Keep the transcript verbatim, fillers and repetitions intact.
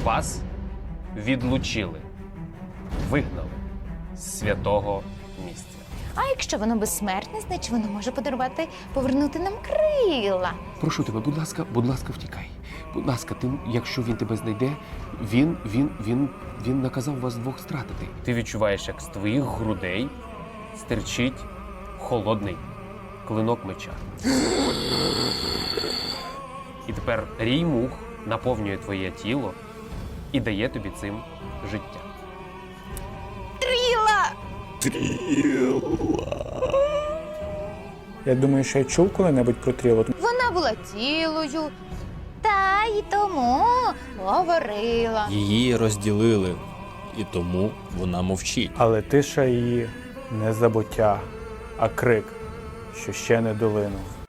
Вас відлучили, вигнали з святого місця. А якщо воно безсмертне, значить воно може подарувати, повернути нам крила. Прошу тебе, будь ласка, будь ласка, втікай. Будь ласка, ти, якщо він тебе знайде, він, він, він, він наказав вас двох стратити. Ти відчуваєш, як з твоїх грудей стирчить холодний клинок меча. І тепер рій мух наповнює твоє тіло і дає тобі цим життя. Тріла! Я думаю, що я чув коли-небудь про Трілу. Вона була цілою, та й тому говорила. Її розділили, і тому вона мовчить. Але тиша її не забуття, а крик, що ще не долинув.